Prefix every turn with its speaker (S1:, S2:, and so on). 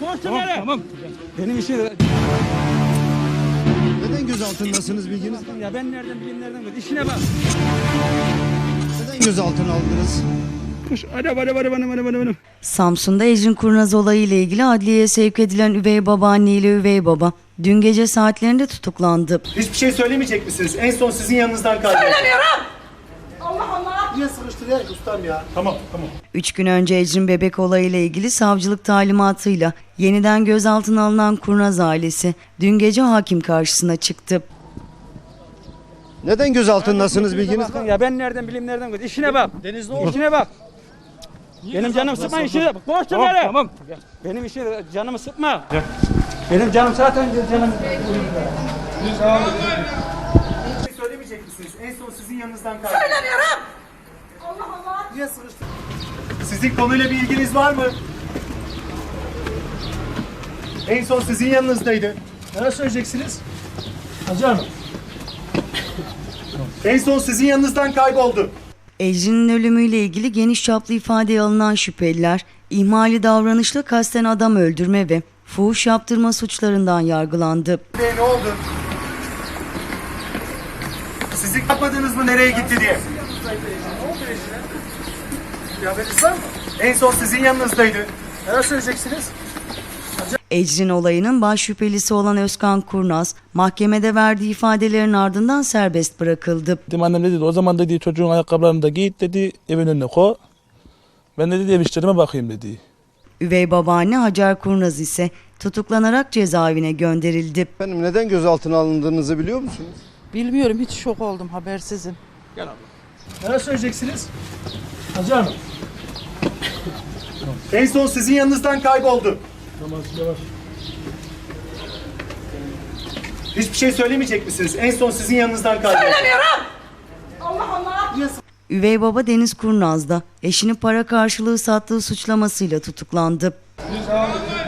S1: Tamam. Benim işim...
S2: Neden gözaltındasınız bilginiz var mı?
S1: Ya ben nereden bileyim nereden bileyim. İşine bak.
S2: Neden gözaltına aldınız?
S1: Bana.
S3: Samsun'da Ecrin Kurnaz olayı ile ilgili adliyeye sevk edilen üvey babaanne ile üvey baba dün gece saatlerinde tutuklandı.
S4: Hiçbir şey söylemeyecek misiniz? En son sizin yanınızdan kayboldu.
S5: Söylemiyorum. Allah Allah.
S4: Niye sıkıştırıyor ustam ya? Tamam.
S3: 3 gün önce Ecrin Bebek olayı ile ilgili savcılık talimatıyla yeniden gözaltına alınan Kurnaz ailesi dün gece hakim karşısına çıktı.
S2: Neden gözaltındasınız bilginiz var mı?
S1: Ya ben nereden bileyim nereden bileyim. İşine bak. İşine bak. Benim canım sıkma işine bak. Boş ver. Tamam. Benim işi canımı sıkma. Benim canım zaten canım.
S4: Hiçbir şey söylemeyecek misiniz? En son sizin yanınızdan kayboldu.
S5: Söylemiyorum. Allah Allah.
S4: Niye sıkıştırıyor? Sizin konuyla bir ilginiz var mı? En son sizin yanınızdaydı. Ne söyleyeceksiniz? Hacı Hanım. En son sizin yanınızdan kayboldu.
S3: Ecrin'in ölümüyle ilgili geniş çaplı ifadeye alınan şüpheliler, ihmali davranışla kasten adam öldürme ve fuhuş yaptırma suçlarından yargılandı.
S4: Ne oldu? Sizi kapmadınız mı nereye gitti diye? Haberiniz var mı? En son sizin yanınızdaydı. Ne söyleyeceksiniz?
S3: Ecrin olayının baş şüphelisi olan Özkan Kurnaz, mahkemede verdiği ifadelerin ardından serbest bırakıldı.
S6: Dedim annem dedi o zaman dedi çocuğun ayakkabılarını da giy dedi evin önüne koy. Ben de dedi ev işlerime bakayım dedi.
S3: Üvey babaanne Hacer Kurnaz ise tutuklanarak cezaevine gönderildi.
S2: Efendim neden gözaltına alındığınızı biliyor musunuz?
S7: Bilmiyorum, hiç şok oldum, habersizim.
S4: Ne söyleyeceksiniz? Hacı Hanım. En son sizin yanınızdan kayboldu. Yavaş. Hiçbir şey söylemeyecek misiniz? En son sizin yanınızdan kayboldu.
S5: Söylemiyorum. Allah Allah.
S3: Üvey baba Deniz Kurnaz da eşini para karşılığı sattığı suçlamasıyla tutuklandı.